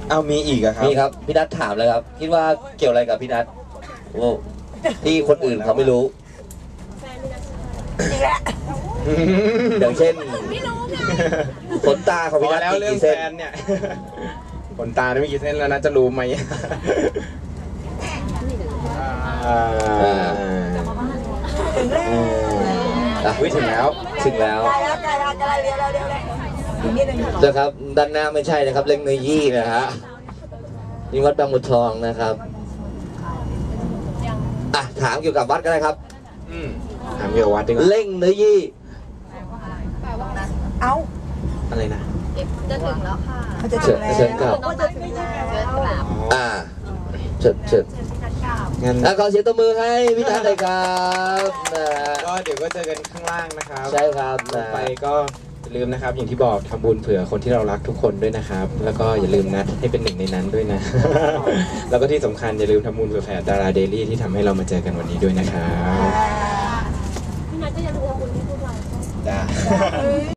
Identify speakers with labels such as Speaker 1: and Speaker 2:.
Speaker 1: เอามีอีกอะครับ
Speaker 2: มีครับพี่นัทถามเลยครับคิดว่าเกี่ยวอะไรกับพี่นัทที่คนอื่นเขาไม่รู้อย่างเช่นขนตาของพี่นัท
Speaker 1: แล้ว
Speaker 2: มี
Speaker 1: เรื่อง
Speaker 2: กี่
Speaker 1: แฟ
Speaker 2: เส้น
Speaker 1: นเนี่ยขนตาไม่กี่เส้นแล้วนะจะรู้ไหมถึงแล้ว
Speaker 2: ถึงแล้วนะครับด้านหน้าไม่ใช่นะครับเล่งเนยยี่นะฮะนี่วัดบางบัวทองนะครับถามเกี่ยวกับวัดก็ได้ครับ
Speaker 1: ถามเกี่ยวกับวัดดีกว่า
Speaker 2: เล่งเนยยี่
Speaker 3: เอา
Speaker 1: อะไรนะ
Speaker 4: จะถึงแล้วค่ะ
Speaker 2: เชิญครับเชิญงั้นขอเสียงตบมือให้พี่นัทเลยครับ
Speaker 1: ก็เดี๋ยวก็เจอกันข้างล่างนะครับ
Speaker 2: ใช่ครับ
Speaker 1: ไปก็อย่าลืมนะครับอย่างที่บอกทำบุญเผื่อคนที่เรารักทุกคนด้วยนะครับแล้วก็อย่าลืมนัดให้เป็นหนึ่งในนั้นด้วยนะแล้วก็ที่สำคัญอย่าลืมทำบุญเผื่อแผ่ดาราเดลี่ที่ทำให้เรามาเจอกันวันนี้ด้วยนะครับ
Speaker 4: พี่นัทก็ยังทำบุญให้พวกเรา
Speaker 1: จ้า